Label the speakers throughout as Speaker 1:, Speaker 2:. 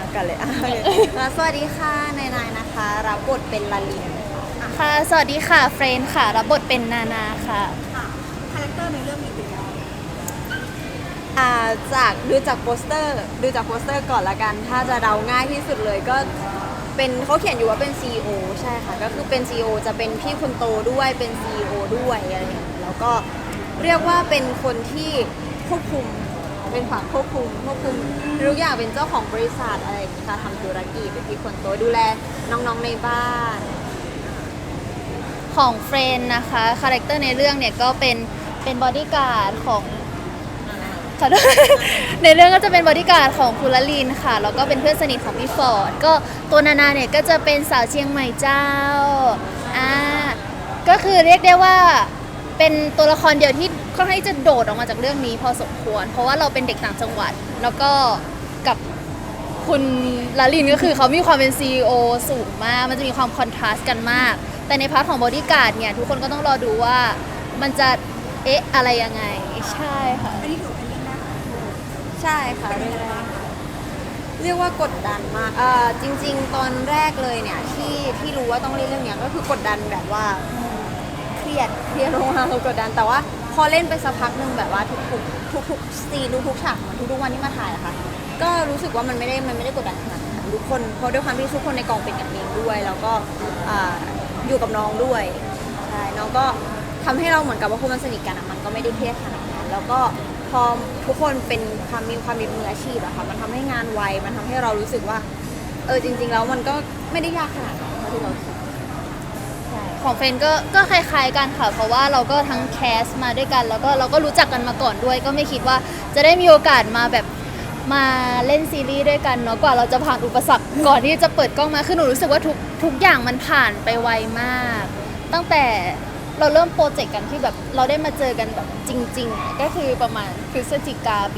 Speaker 1: กันเลยสวัสดีค่ะนายนะคะรับบทเป็นลาลิน
Speaker 2: ค่ะสวัสดีค่ะเฟรนค่ะรับบทเป็นนานาค่ะ
Speaker 3: ค่ะคาแรคเตอร์ในเรื่องมีเป็นยังไง
Speaker 1: จากดูจากโปสเตอร์ก่อนละกันถ้าจะเดาง่ายที่สุดเลยก็เป็นเขาเขียนอยู่ว่าเป็น CEO ใช่ค่ะก็คือเป็น CEO จะเป็นพี่คนโตด้วยเป็น CEO ด้วยอะไรอย่างเงี้ยแล้วก็เรียกว่าเป็นคนที่ควบคุมเป็นฝั่งควบคุมทุกอย่างเป็นเจ้าของบริษัทอะไรอย่างเงี้ยค่ะทำธุรกิจเป็นพี่คนโตดูแลน้องๆในบ้าน
Speaker 2: ของเฟรนนะคะคาแรคเตอร์ในเรื่องเนี่ยก็เป็นบอดี้การ์ดของขอโทษ ในเรื่องก็จะเป็นบอดี้การ์ดของคุณละลินค่ะแล้วก็เป็นเพื่อนสนิทของพี่ฟอร์ดก็ตัวนานาเนี่ยก็จะเป็นสาวเชียงใหม่เจ้าอ่าก็คือเรียกได้ว่าเป็นตัวละครเดียวที่ค่อนข้างจะโดดออกมาจากเรื่องนี้พอสมควรเพราะว่าเราเป็นเด็กต่างจังหวัดแล้วก็กับคุณลาลินก็คือเขามีความเป็น CEO สูงมากมันจะมีความคอนทราสต์กันมากแต่ในพาร์ทของบอดี้การ์ดเนี่ยทุกคนก็ต้องรอดูว่ามันจะเอ๊ะอะไรยังไงใช่ค่ะ
Speaker 3: อันนี้ถือเป็นเรื่องแรกของโลก
Speaker 1: ใช่ค่ะเรียกว่ากดดันมากจริงๆตอนแรกเลยเนี่ยที่รู้ว่าต้องเล่นเรื่องเนี้ยก็คือกดดันแบบว่าเครียดลงมาคือกดดันแต่ว่าพอเล่นไปสักพักหนึ่งแบบว่าทุกซีนทุกฉากเหมือนทุกๆวันที่มาถ่ายอะค่ะก็รู้สึกว่ามันไม่ได้กดดันขนาดนั้นทุกคนเพราะด้วยความที่ทุกคนในกองเป็นกันเองด้วยแล้วก็อยู่กับน้องด้วยใช่น้องก็ทำให้เราเหมือนกับว่าคนมันสนิทกันอะมันก็ไม่ได้เครียดขนาดนั้นแล้วก็พอทุกคนเป็นความมีมืออาชีพอะค่ะมันทำให้งานไวมันทำให้เรารู้สึกว่าจริงๆแล้วมันก็ไม่ได้ยากขนาดนั้นเท่าที่เราคิด
Speaker 2: ของเฟรนก็คล้ายๆกันค่ะเพราะว่าเราก็ทั้งแคสมาด้วยกันแล้วก็เราก็รู้จักกันมาก่อนด้วยก็ไม่คิดว่าจะได้มีโอกาสมาแบบมาเล่นซีรีส์ด้วยกันเนาะกว่าเราจะผ่านอุปสรรคก่อนที่จะเปิดกล้องมาคือหนูรู้สึกว่าทุกอย่างมันผ่านไปไวมาก ตั้งแต่เราเริ่มโปรเจกต์กันที่แบบเราได้มาเจอกันแบบจริงๆก็คือประมาณพฤศจิกาปี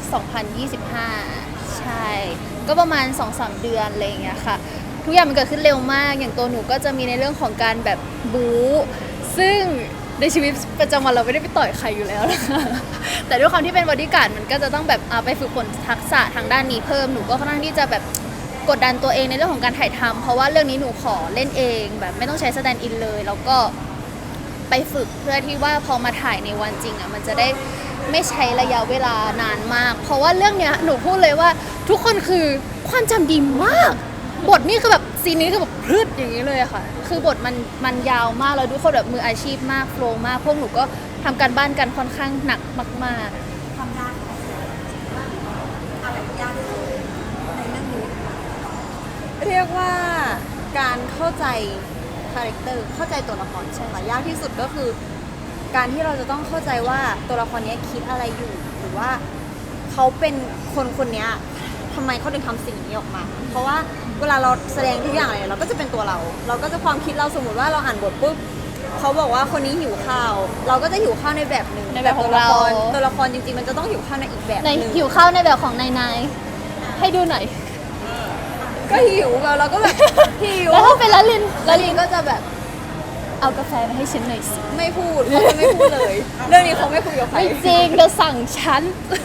Speaker 2: 2025 ใช่ก็ประมาณ 2-3 เดือนอะไรอย่างเงี้ยค่ะทุกอย่างมันเกิดขึ้นเร็วมากอย่างตัวหนูก็จะมีในเรื่องของการแบบบู๊ซึ่งในชีวิตประจำวันเราไม่ได้ไปต่อยใครอยู่แล้วนะคะแต่ด้วยความที่เป็นบอดี้การ์ดมันก็จะต้องแบบไปฝึกฝนทักษะทางด้านนี้เพิ่มหนูก็ค่อนข้างที่จะแบบกดดันตัวเองในเรื่องของการถ่ายทำเพราะว่าเรื่องนี้หนูขอเล่นเองแบบไม่ต้องใช้สแตนด์อินเลยแล้วก็ไปฝึกเพื่อที่ว่าพอมาถ่ายในวันจริงมันจะได้ไม่ใช้ระยะเวลานานมากเพราะว่าเรื่องเนี้ยหนูพูดเลยว่าทุกคนคือความจำดีมากบทนี่คือแบบซีนนี้คือแบบพรึดอย่างนี้เลยอะค่ะคือบทมันยาวมากแล้วทุกคนแบบมืออาชีพมากโฟล์มากพวกหนูก็ทำการบ้านกันค่อนข้างหนักมากๆ
Speaker 3: ความยากของอะไรยากที่สุดในเรื่องนี้
Speaker 1: เรียกว่าการเข้าใจคาแรคเตอร์เข้าใจตัวละครใช่ไหมยากที่สุดก็คือการที่เราจะต้องเข้าใจว่าตัวละครนี้คิดอะไรอยู่หรือว่าเขาเป็นคนนี้ทำไมเขาถึงทำสิ่งนี้ออกมาเพราะว่าเวลาเราแสดงทุกอย่างอะไรเราก็จะเป็นตัวเราก็จะความคิดเราสมมติว่าเราอ่านบทปุ๊บเขาบอกว่าคนนี้หิวข้าวเราก็จะหิวข้าวในแบบหนึ่ง
Speaker 2: ในแบบของเรา
Speaker 1: ตัวละครจริงๆมันจะต้องหิวข้าวในอีกแบบ
Speaker 2: ใน
Speaker 1: หนึ่ง
Speaker 2: หิวข้าวในแบบของนายให้ดูหน่อย
Speaker 1: ก็หิวเราก็แบบหิว
Speaker 2: แล้วถ้าเป็นละลิน
Speaker 1: ก็จะแบบ
Speaker 2: เอากาแฟมาให้ฉันหน่อยสิ
Speaker 1: ไม่พูดเขาจะไม่พูดเลย เรื่องนี้เขาไม่คุยกับใคร
Speaker 2: ไม่จริงเธอสั่งฉัน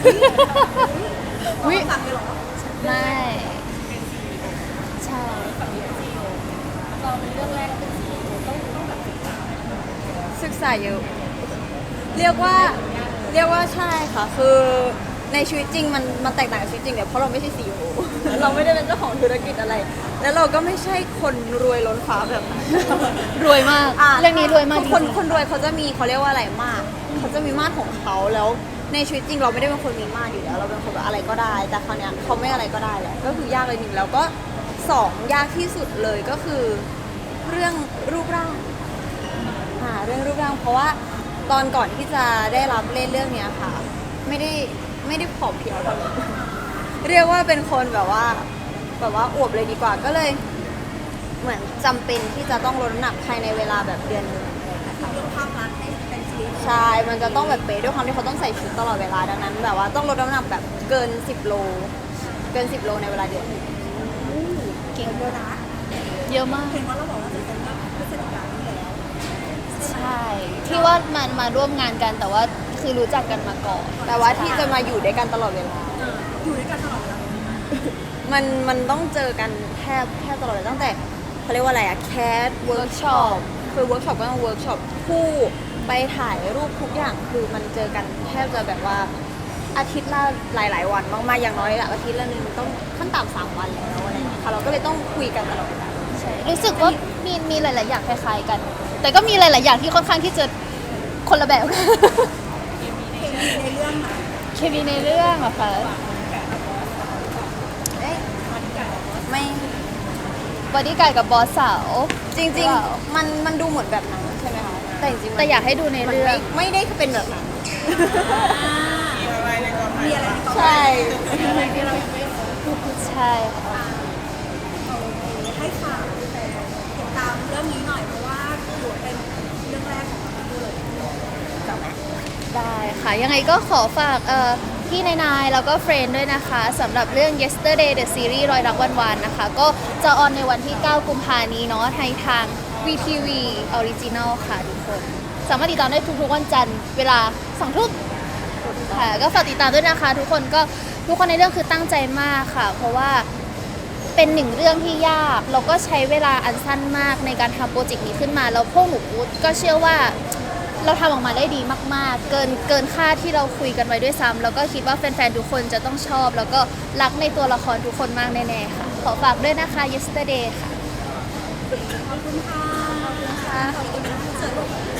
Speaker 3: วิฟังเลยเหรอ
Speaker 2: ไม่ใช่
Speaker 3: เราเป็นเรื่องแรกเป็นซีต้องแบบ
Speaker 1: ศึกษาเยอะเรียกว่าใช่ค่ะคือในชีวิตจริงมันแตกต่างกับชีวิตจริงเนี่ยเพราะเราไม่ใช่ซีอีโอ เราไม่ได้เป็นเจ้าของธุรกิจอะไร แล้วเราก็ไม่ใช่คนรวยล้นฟ้าแบบนั้น
Speaker 2: รวยมากเรื่องนี้รวยมากจริง
Speaker 1: คนรวยเขาจะมีเขาเรียกว่าอะไรมากเขาจะมีมาตรของเขาแล้วในชีวิตจริงเราไม่ได้เป็นคนมีมาตรอยู่แล้วเราเป็นคนแบบอะไรก็ได้แต่คราวเนี้ยเขาไม่อะไรก็ได้แหละก็คือยากเลยหนึ่งแล้วก็สองยากที่สุดเลยก็คือเรื่องรูปร่างเรื่องรูปร่างเพราะว่าตอนก่อนที่จะได้รับเล่นเรื่องเนี้ยค่ะไม่ได้ผอมเพรียวเท่านี้เรียกว่าเป็นคนแบบว่าอวบเลยดีกว่าก็เลยเหมือนจำเป็นที่จะต้องลดน้ำหนักภายในเวลาแบบเดือนนึง
Speaker 3: ยกภาพลักษณ์ให้เป็นซีรีส์
Speaker 1: ใช่มันจะต้องแบบเป๊ะด้วยความที่เขาต้องใส่ชุดตลอดเวลาดังนั้นแบบว่าต้องลดน้ำหนักแบบเกิน10 โลในเวลาเดือนนึง
Speaker 2: เก่ง
Speaker 3: เยอะนะ
Speaker 2: เยอะมาก
Speaker 3: เห็นว่าเราบอกว่าจะเป็นแบบพฤศจิกายนนี้แล้ว
Speaker 2: ใช่ที่ว่ามันมาร่วมงานกันแต่ว่าคือรู้จักกันมาก่อน
Speaker 1: แต่ว่าที่จะมาอยู่ด้วยกันตลอดเวลา
Speaker 3: อยู่ด้วยกันตลอดเวลา
Speaker 1: มันต้องเจอกันแทบตลอดเลยตั้งแต่เขาเรียกว่าอะไรอะแคสเวิร์กช็อปคือเวิร์กช็อปก็ต้องเวิร์กช็อปคู่ไปถ่ายรูปทุกอย่างคือมันเจอกันแทบจะแบบว่าอาทิตย์ละหลายๆวันมากๆอย่างน้อยอะอาทิตย์ละนึงต้องขั้นต่ำ3 วันแล้วอะไรอย่างเงี้ยค่ะเราก็เลยต้องคุยกันตลอดเวลา
Speaker 2: ใช่รู้สึกว่ามีหลาย ๆ อย่างคล้าย ๆ กัน แต่ก็มีหลาย ๆ อย่างที่ค่อนข้างที่จะคนละแบบ
Speaker 3: ในเรื่องไหน
Speaker 2: เคมีในเรื่องอะค่ะ
Speaker 1: เอ๊ะไม่
Speaker 2: บอดี้การ์ดกับบอสสาว
Speaker 1: จริง
Speaker 2: หรือเปล่า
Speaker 1: ๆมันดูเหมือนแบบนั้นใช่ไหมคะแต่จริงๆมัน
Speaker 2: แต่อยากให้ดูใน
Speaker 1: มัน
Speaker 2: เรื่อง
Speaker 1: ไม่ได้เป็นแบบนั้น
Speaker 3: มีอะไรในกอง
Speaker 1: ใช่
Speaker 2: ใช่ค่ะ
Speaker 3: ให้ฝากแต่ติดตามเรื่องนี้หน่อยเพราะว่าถือว่าเป็นเรื่องแรกของเราเลย
Speaker 2: ได้ค่ะ ยังไงก็ขอฝากพี่นายแล้วก็เฟรนด์ด้วยนะคะสำหรับเรื่อง Yesterday the Series รอยรักวันวานนะคะ ก็จะออนในวันที่ 9 กุมภานี้เนาะในทาง VTV Original ค่ะทุกคน สามารถติดตามได้ทุกๆวันจันทร์เวลา 2 ทุ่มค่ะ ก็ฝากติดตามด้วยนะคะ ทุกคนในเรื่องคือตั้งใจมากค่ะ เพราะว่าเป็นหนึ่งเรื่องที่ยากแล้วก็ใช้เวลาอันสั้นมากในการทำโปรเจกต์นี้ขึ้นมาแล้วพวกหนูก็เชื่อว่า เราทำออกมาได้ดีมากๆ เกินคาดที่เราคุยกันไว้ด้วยซ้ำแล้วก็คิดว่าแฟนๆ ทุกคนจะต้องชอบ แล้วก็รักในตัวละครทุกคนมากแน่ๆ ค่ะ ขอฝากด้วยนะคะ Yesterday ค่ะ
Speaker 3: ขอบคุณค่ะ ขอบคุณค่ะขอบคุณค่ะ